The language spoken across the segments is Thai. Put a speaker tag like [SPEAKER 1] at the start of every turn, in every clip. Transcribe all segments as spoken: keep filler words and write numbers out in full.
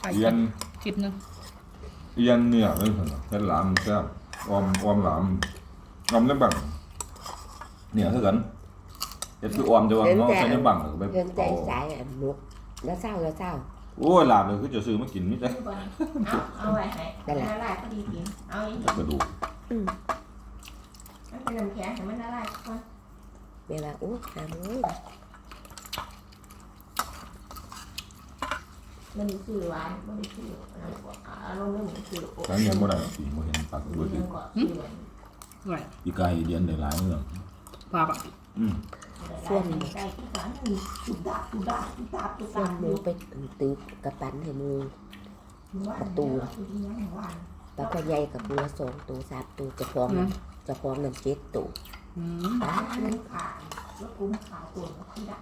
[SPEAKER 1] เอียนคิดนึง
[SPEAKER 2] เอียนเนี่ยเลยเห็นหลามแซ่บออมออมหลามออมได้บังเนี่ยเท่ากันเอ็ดคือออมจะวางเนาะใช้ในบังไป
[SPEAKER 3] เดินใจสายอ่ะนุกแล้วเศร้าแล้วเศร้า
[SPEAKER 2] โอ้ยหลามเลยคือจะซื้อมากินนี่จ้ะ
[SPEAKER 4] เอาเอาไว้ให้ละลายพอดีกินเอาอีก
[SPEAKER 2] กระดูก
[SPEAKER 4] มันเป็นน้ำแข็งแต่มันละลายก่อน
[SPEAKER 3] เวลาอู้หามือ
[SPEAKER 4] มันมีชื่อหวานมันมีชื่ออารมณ์ไม่เหมือนชื่อ
[SPEAKER 2] ครั้งนี้เมื่อไหร่สีโมเห็นปากตัวสี
[SPEAKER 1] ไหว
[SPEAKER 2] อีกายเดียนได้หลายเรื่อง
[SPEAKER 1] ปลาปะ
[SPEAKER 2] อืม
[SPEAKER 4] ส่วนใจที่หวานมีตุบดับตุบดับตุบดับตุบ
[SPEAKER 3] ส่ว
[SPEAKER 4] ดั
[SPEAKER 3] น
[SPEAKER 4] บ
[SPEAKER 3] มือไปตื้อกระปันให้มือประตูปลาพยายกับปูละสองตัวสามตัวจะพร้อมจะพร้อมน้ำเจ็ดตัว
[SPEAKER 1] อืม
[SPEAKER 4] อ่ามันขาดแล้วกุ้งขาวตัวที่ดับ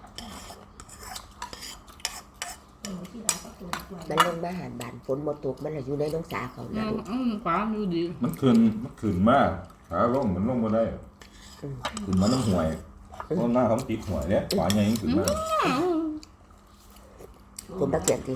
[SPEAKER 3] มันลงมาหารบานฝนหมดตกมันอยู่ในน้องสาเขา
[SPEAKER 1] อื
[SPEAKER 3] นะ
[SPEAKER 1] มอืมปลาดูดี
[SPEAKER 2] มันคืนมันคืนมากขาลงมันลงมาได้คืนมันน้ำห่วยเพราะหน้าเขาติดห่วยเนี่ยขวาใหญ่ยิ่งคืนมาก
[SPEAKER 3] ผมตะเกียบที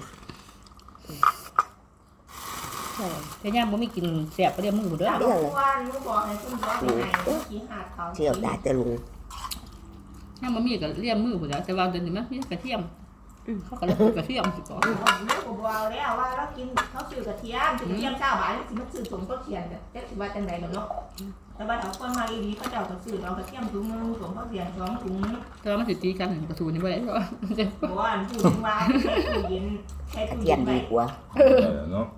[SPEAKER 1] แต่ย่างบ่มีกินแซ่บก็เรียกมึงบ่เด้อ
[SPEAKER 4] เรื่องอะไรมึงบอกให้คุณบอกให้กี่หาดเขา
[SPEAKER 3] เที่ยวได้แต่ลุง
[SPEAKER 1] ย่างบ่มีก็เรียกมือบ่เด้อแต่ว่าเดี๋ยวนี้มันมีกระเทียมเขาก็เลยกระเทียมสิก่อน
[SPEAKER 4] ลูกบอกแล้วว่าเรากินเขาซื้อกระเทียมกระเทียมเช้าบ่ายสิมันซื้อสมก็เทียนแบบแต่สิว่าจังได๋เนาะแต่ว่าเอาคนมาดีๆเขาเจ้าก็ซื้อเอากระเทียมถุงนึงสมก็เทียนสองถุง
[SPEAKER 1] แต่ว่ามันสิตีกันกระสูนี่บ่ได้เพราะว่า
[SPEAKER 4] บอกว่าผู้ถึงว่าใช้ตู้เย็นใช้
[SPEAKER 3] กระ
[SPEAKER 4] ตู้
[SPEAKER 3] เที
[SPEAKER 4] เย็
[SPEAKER 3] ย
[SPEAKER 4] น
[SPEAKER 3] ม
[SPEAKER 4] ไป
[SPEAKER 3] ดีกว่า
[SPEAKER 2] เนาะ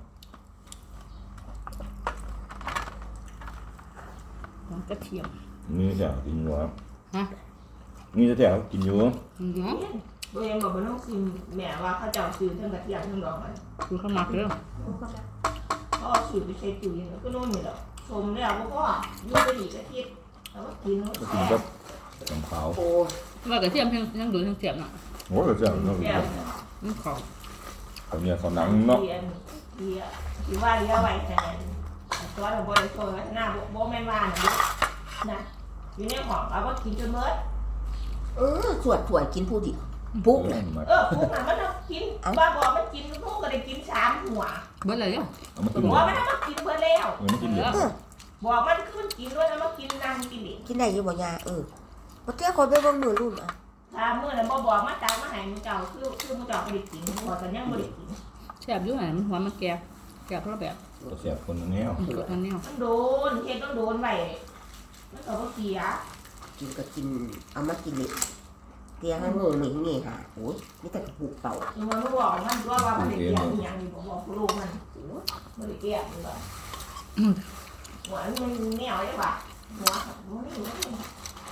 [SPEAKER 1] กระเทียม
[SPEAKER 2] นี่จะกินอยู่ครับ
[SPEAKER 1] ฮะ
[SPEAKER 2] นี่จะแถวกินอยู่
[SPEAKER 1] อือ
[SPEAKER 4] โดยบอกว่าน้องซิมแม่ว่าเขาเจ้าซื้อทั้งกระเทียมทั้งดอกมัน
[SPEAKER 1] คือข้าวมักเด้อ
[SPEAKER 4] ก็ซื้อไปใช้ตู้เย็นก็โน่นนี่แหละชมแล้วก็ยุ่งไปอีกอาทิตย์แล้วก็กิน
[SPEAKER 2] ก็กินกับกับขาว
[SPEAKER 3] โอ้
[SPEAKER 1] ว่ากระเทียมยังยังโดนยังเสียบน่ะ
[SPEAKER 2] โอ้ก็จะเนาะ
[SPEAKER 4] แก้ว
[SPEAKER 1] มันขอ
[SPEAKER 2] เขาเนี่ยเขาหนังเนาะ
[SPEAKER 4] เรียนเรียนที่ว่าเรียนไว้แต่ตัวเราบริโภคไว้หน้าโบแม่บ้านนะนะอยู่ในห้องเราก็กินจนเมื่อ
[SPEAKER 3] เออสวดถวยกินผู้เดียวปุ๊กเลย
[SPEAKER 4] เออพวกนั้นมันกินบ้าบอมันกินพวกก็ได้กินสามหัว
[SPEAKER 1] เบิดเลยอ่ะ
[SPEAKER 2] เอามากิน
[SPEAKER 4] หัวมันมันกินเพื่อแล้ว
[SPEAKER 2] เออมากินเดี๋ยว
[SPEAKER 4] บอกมันคือมันกินด้วยนะมันกินนั่งกินเอง
[SPEAKER 3] กินได้อยู่บ่ยาเออบ่เที่ยวคนไปเบิ่งมือรุ่นอ่ะ
[SPEAKER 4] ถ้าเมื่อนั้นบ่บอกมาตามมาให้มึงเจ้าคือคือมึงเจ้าไม่ได้กินบอกกันยังไม่ได้กิน
[SPEAKER 1] แซ่บอยู่หั่นมันหัวมันแก่แก่เพราะแบบ
[SPEAKER 2] ก็เสียบคนแนว
[SPEAKER 1] มันก็อันแนว
[SPEAKER 4] มันโดนเฮ็ดต้องโดนไว้มันก็บ่เสีย
[SPEAKER 3] กินก็กินเอามากินเลยเตียงให้มือหนึ่งนี่ค่ะโอ้ยนี่แต่ผูกเป่า
[SPEAKER 4] มันบ่บอกมันว่าว่ามันได้เกี่ยวอีหยังนี่บ่บอกผู้ลูกมันบ่ได้เกี่ยวมันบ่หัวมันแนวได้ป่ะหัว